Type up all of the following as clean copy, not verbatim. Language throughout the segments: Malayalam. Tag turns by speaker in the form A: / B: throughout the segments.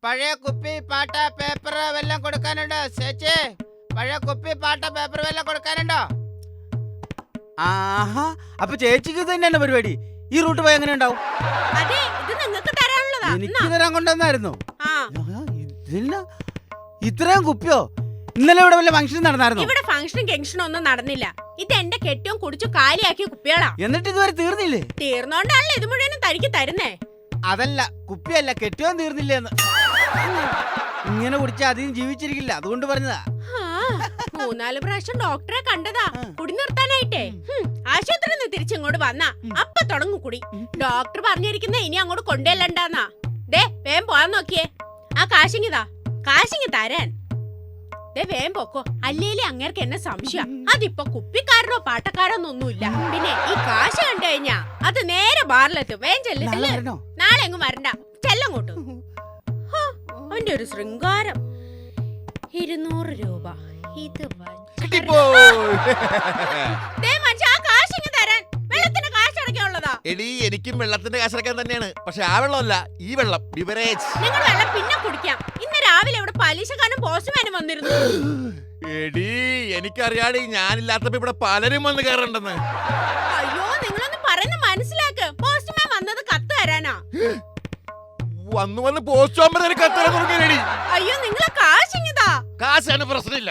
A: പഴയ കുപ്പി പാട്ട പേപ്പർ വല്ലതും കൊടുക്കാനുണ്ടോ ചേച്ചി? പഴയ കുപ്പി പാട്ട പേപ്പർ വല്ലതും കൊടുക്കാനുണ്ടോ?
B: ആഹാ, അപ്പൊ ചേച്ചിക്ക് തന്നെയാണ് പരിപാടി. ഈ റൂട്ട് പോയി എങ്ങനെ ഉണ്ടാവും? എനിക്ക് തരാൻ കൊണ്ടുവന്നായിരുന്നു. ഇത്രയും കുപ്പിയോ? ഇന്നലെ ഇവിടെ വല്ല ഫംഗ്ഷൻ നടന്നായിരുന്നു?
C: ഇവിടെ ഫംഗ്ഷനും ഗംഗ്ഷനും ഒന്നും നടന്നില്ല. ഇത് എന്റെ കെട്ടിയും കുടിച്ചു കാലിയാക്കിയ കുപ്പികളാ.
B: എന്നിട്ട് ഇതുവരെ തീർന്നില്ലേ?
C: തീർന്നോണ്ടാണല്ലോ ഇത് മുഴുവനും തനിക്ക് തരുന്നേ.
B: അതല്ല, കുപ്പിയല്ല, കെട്ടിയോ തീർന്നില്ലേന്ന്. ഇങ്ങനെ കുടിച്ചാൽ അധികം ജീവിച്ചിരിക്കില്ല, അതുകൊണ്ട് പറഞ്ഞതാ.
C: 3-4 പ്രാവശ്യം ഡോക്ടറെ കണ്ടതാ കുടി നിർത്താനായിട്ടേ. ആശുപത്രിയിൽ നിന്ന് തിരിച്ചിങ്ങോട്ട് വന്നാ അപ്പൊ തുടങ്ങും കുടി. ഡോക്ടർ പറഞ്ഞിരിക്കുന്ന ഇനി അങ്ങോട്ട് കൊണ്ടുവല്ലണ്ടാന്നാ. ദേ വേഗം പോവാൻ നോക്കിയേ. ആ കാശിങ്ങിതാ, കാശിങ്ങി തരാൻ. ദേ വേഗം പോക്കോ, അല്ലേലേ അങ്ങേർക്ക് എന്നെ സംശയം. അതിപ്പോ കുപ്പിക്കാരനോ പാട്ടക്കാരോന്നൊന്നുമില്ല. പിന്നെ ഈ കാശ് കണ്ടു കഴിഞ്ഞാ അത് നേരെ ബാറിലെത്തും. വേഗം ചെല്ല്. നാളെ എങ്ങും വരണ്ട, ചെല്ലങ്ങോട്ട്. അവന്റെ ഒരു ശൃംഗാരം. 200 രൂപ. ഇത്
D: എടി, എനിക്കും വെള്ളത്തിന്റെ കാശടക്കാൻ തന്നെയാണ്. പക്ഷെ ആ വെള്ളമല്ല, ഈ വെള്ളം, ബിവറേജ്.
C: നിങ്ങൾ വെള്ളം പിന്നെ കുടിക്കാം. ഇന്ന് രാവിലെ ഇവിടെ പലിശക്കാരനും പോസ്റ്റ്മാനും വന്നിരുന്നു.
D: എടി, എനിക്കറിയാടി, ഞാനില്ലാത്തപ്പോ ഇവിടെ പലരും വന്ന് കയറണ്ടെന്ന്.
C: അയ്യോ, നിങ്ങളൊന്ന് പറയുന്ന മനസ്സിലാക്ക്. പോസ്റ്റ്മാൻ വന്നത് കത്ത് തരാനാ.
D: വന്ന് പോസ്റ്റ്മാൻ കത്ത് തരാൻ തുടങ്ങിയടി.
C: അയ്യോ, നിങ്ങളെ കാശിങ്ങിതാ.
D: കാശാണ് പ്രശ്നമില്ല.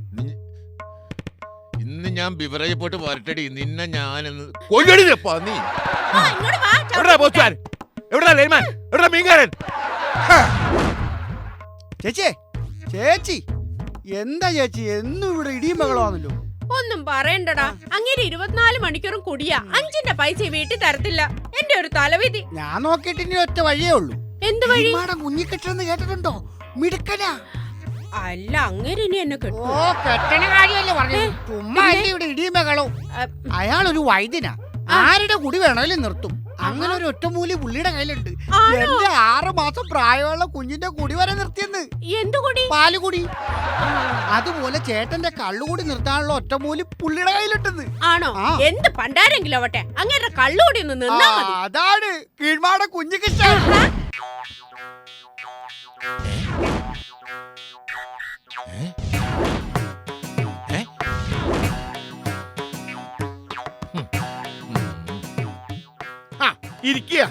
D: ഇന്ന് ഞാൻ ബിവറേജ് പോയിട്ട് വരട്ടടി. നിന്നെ ഞാൻ കൊല്ലടി. മീൻകാരൻ
B: ചേച്ചി, ചേച്ചി എന്താ ചേച്ചി എന്നും ഇവിടെ ഇടിയും ബഹളമാണല്ലോ?
C: ഒന്നും പറയണ്ടടാ, അങ്ങനെ 24 മണിക്കൂറും കുടിയാ. 5ന്റെ പൈസ വീട്ടിൽ തരത്തില്ല. എന്റെ ഒരു തലവിധി.
B: ഞാൻ നോക്കിയിട്ട് ഇനി ഒറ്റ വഴിയേ ഉള്ളൂ.
C: എന്ത് വഴി?
B: കുഞ്ഞിക്കെട്ടെന്ന് കേട്ടിട്ടുണ്ടോ? മിടുക്കനാ.
C: അല്ല, അങ്ങനെ ഇനി എന്നെ കെട്ടു.
B: ഓ, കെട്ടണ കാര്യമല്ലേ പറഞ്ഞു. ചുമ്മാ ഇവിടെ ഇടിയും ബഹളവും. അയാളൊരു വൈദ്യനാ. ആരുടെ കുടി വേണമെങ്കിലും നിർത്തും. അങ്ങനെ ഒരു ഒറ്റമൂലി പുള്ളിയുടെ കയ്യിലുണ്ട്. എന്റെ 6 മാസം പ്രായമുള്ള കുഞ്ഞിന്റെ കുടി വരെ നിർത്തിയെന്ന്.
C: എന്തുകൂടി?
B: പാലുകുടി. അതുപോലെ ചേട്ടന്റെ കള്ളുകൂടി നിർത്താനുള്ള ഒറ്റമൂലി പുള്ളിയുടെ കയ്യിലിട്ടെന്ന്.
C: ആണോ? എന്ത് പണ്ടാരെങ്കിലും ആവട്ടെ, അങ്ങനെ കള്ളുകൂടി ഒന്ന് നിന്നാ മതി.
B: അതാണ് കീഴ്മാട കുഞ്ഞിക്ക്.
E: ഇരിക്കുക.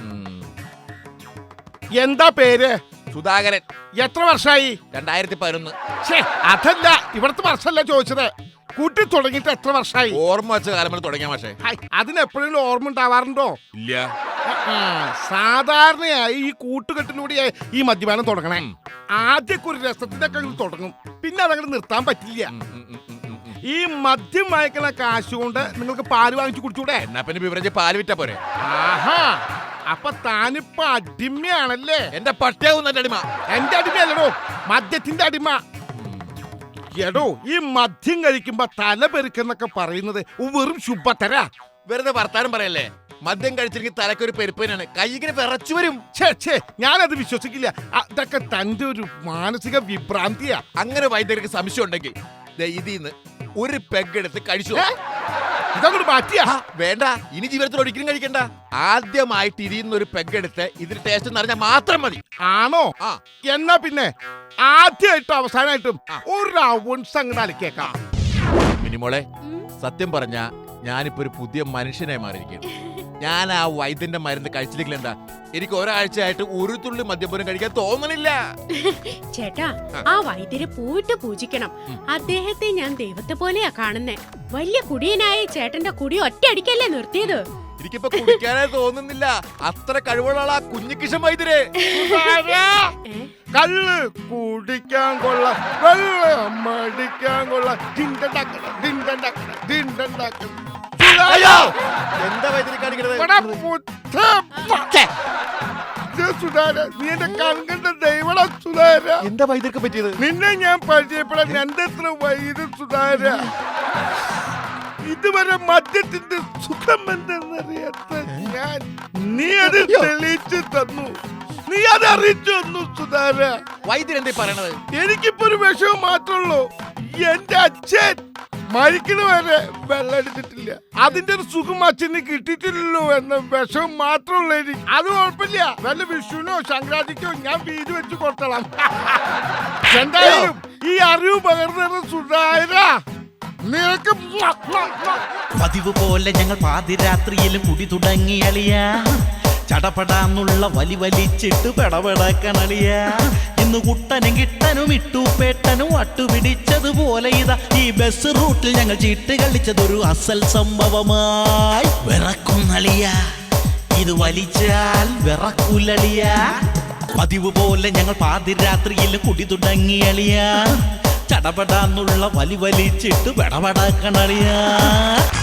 E: എന്താ പേര്?
D: സുധാകരൻ.
E: എത്ര വർഷമായി?
D: 2011.
E: അതല്ല, ഇവിടുത്തെ വർഷമല്ല ചോദിച്ചത്. കൂട്ടി തുടങ്ങിയിട്ട് എത്ര വർഷമായി?
D: ഓർമ്മ വെച്ച കാലം മുതൽ തുടങ്ങിയ പക്ഷേ
E: അതിനെപ്പോഴെങ്കിലും ഓർമ്മ ഉണ്ടാവാറുണ്ടോ?
D: ഇല്ല.
E: സാധാരണയായി ഈ കൂട്ടുകെട്ടിലൂടെ ഈ മദ്യപാനം തുടങ്ങണേ. ആദ്യമൊക്കെ ഒരു രസത്തിനൊക്കെ തുടങ്ങും, പിന്നെ അതങ്ങനെ നിർത്താൻ പറ്റില്ല. ഈ മദ്യം വാങ്ങിക്കുന്ന കാശ് കൊണ്ട് നിങ്ങൾക്ക് പാല് വാങ്ങിച്ചു കുടിച്ചൂടെ?
D: എന്നാ പിന്നെ ബിവറേജ് പാല് വിറ്റാ പോരെ?
E: ആഹാ, അപ്പൊ താനിപ്പോ അടിമയാണല്ലേ?
D: എന്റെ പട്ടിയാവും എന്റെ അടിമ.
E: എന്റെ അടിമയല്ലടോ, മദ്യത്തിന്റെ അടിമ. എടോ, ഈ മദ്യം കഴിക്കുമ്പോ തല പെരുക്കെന്നൊക്കെ പറയുന്നത് വെറും ശുഭത്തര.
D: വെറുതെ വർത്താനം പറയല്ലേ. മദ്യം കഴിച്ചില്ലെങ്കിൽ തലക്കൊരു പെരുപ്പനാണ്, കൈകിന് വിറച്ചു വരും.
E: ഞാനത് വിശ്വസിക്കില്ല. അതൊക്കെ തന്റെ ഒരു മാനസിക വിഭ്രാന്തിയാ.
D: അങ്ങനെ വൈദ്യർക്ക് സംശയം ഉണ്ടെങ്കിൽ ഇതിന്ന് ഒരു പെഗ് എടുത്ത് കഴിച്ചു.
E: ഇതങ്ങോട്ട് മാറ്റിയാ?
D: വേണ്ട, ഇനി ജീവിതത്തിൽ ഒരിക്കലും കഴിക്കണ്ട. ആദ്യമായിട്ട് ഇതിന്ന് ഒരു പെഗ് എടുത്ത് ഇതിന് ടേസ്റ്റ് എന്നറിഞ്ഞാൽ മാത്രം മതി.
E: ആണോ? എന്നാ പിന്നെ ആദ്യമായിട്ടും അവസാനമായിട്ടും ഒരു റൗണ്ട്സ് അങ്ങോട്ട് അലക്കേക്കാം.
D: മിനിമോളെ, സത്യം പറഞ്ഞ ഞാനിപ്പോ ഒരു പുതിയ മനുഷ്യനായി മാറിയിരിക്കുന്നു. ഞാൻ ആ വൈദ്യന്റെ മരുന്ന് കഴിച്ചില്ലെങ്കിൽ എന്താ, എനിക്ക് ഒരാഴ്ചയായിട്ട് ഒരു തുള്ളി മദ്യപോലും കഴിക്കാൻ തോന്നണില്ല.
C: ചേട്ടാ, ആ വൈദ്യരെ പോയിട്ട് പൂജിക്കണം. അദ്ദേഹത്തെ ഞാൻ ദൈവത്തെ പോലെയാ കാണുന്നേ. വലിയ കുടിയനായ ചേട്ടന്റെ കുടി ഒറ്റയടിക്കല്ലേ നിർത്തിയത്.
D: എനിക്കിപ്പോ കുടിക്കാനേ തോന്നുന്നില്ല. അത്ര കഴിവുള്ള ആ കുഞ്ഞിക്കിഷൻ വൈദ്യരെ.
E: കള്ള് കുടിക്കാൻ കൊള്ളാം, വെള്ളം മടിക്കാൻ കൊള്ളാം.
D: എന്താ വൈദ്യരെ കാണിക്കണത്?
E: നീ എന്റെ കൺകണ്ട ദൈവട സുധാര.
D: എന്താ വൈദ്യർക്ക് പറ്റിയത്?
E: നിന്നെ ഞാൻ പരിചയപ്പെടാൻ എന്റെ എത്ര വൈദ്യ സുധാര. ഇതുവരെ മദ്യത്തിന്റെ സുഖം എന്തെന്നറിയാത്ത ഞാൻ നീ അത് തെളിയിച്ചു തന്നു. നീ അത് അറിയിച്ചു തന്നു സുധാര.
D: വൈദ്യൻ എന്താ പറയണത്?
E: എനിക്കിപ്പോ ഒരു വിഷയം മാത്രമുള്ളൂ. എന്റെ അച്ഛൻ മരിക്കണ വരെ വെള്ളം എടുത്തിട്ടില്ല. അതിന്റെ ഒരു സുഖം അച്ഛന് കിട്ടിയിട്ടില്ലല്ലോ എന്ന വിഷം മാത്രമുള്ള എനിക്ക്. അത് കുഴപ്പമില്ല, വല്ല വിഷുവിനോ സംക്രാന്തിക്കോ ഞാൻ വീട് വെച്ച് കൊടുത്തളാം. എന്തായാലും ഈ അറിവ് പകർന്നു സുധാര നിനക്ക്
F: പതിവ് പോലെ ഞങ്ങൾ പാതിരാത്രിയിലും കുടി തുടങ്ങി അളിയ. ചടപടാന്നുള്ള വലി വലിച്ചിട്ട് പെടപെടക്കണളിയ. ഇന്ന് കുട്ടനും കിട്ടനും ഇട്ടുപേട്ടനും വട്ടുപിടിച്ചതുപോലെ ഇതാ ഈ ബസ് റൂട്ടിൽ ഞങ്ങൾ ചീട്ട് കളിച്ചതൊരു അസൽ സംഭവമായി. വിറക്കുന്നളിയ, ഇത് വലിച്ചാൽ വിറക്കുലളിയ. പതിവ് പോലെ ഞങ്ങൾ പാതിരാത്രിയിലും കുടി തുടങ്ങി അളിയ. ചടപടാന്നുള്ള വലി വലിച്ചിട്ട് പെടപെടക്കണളിയ.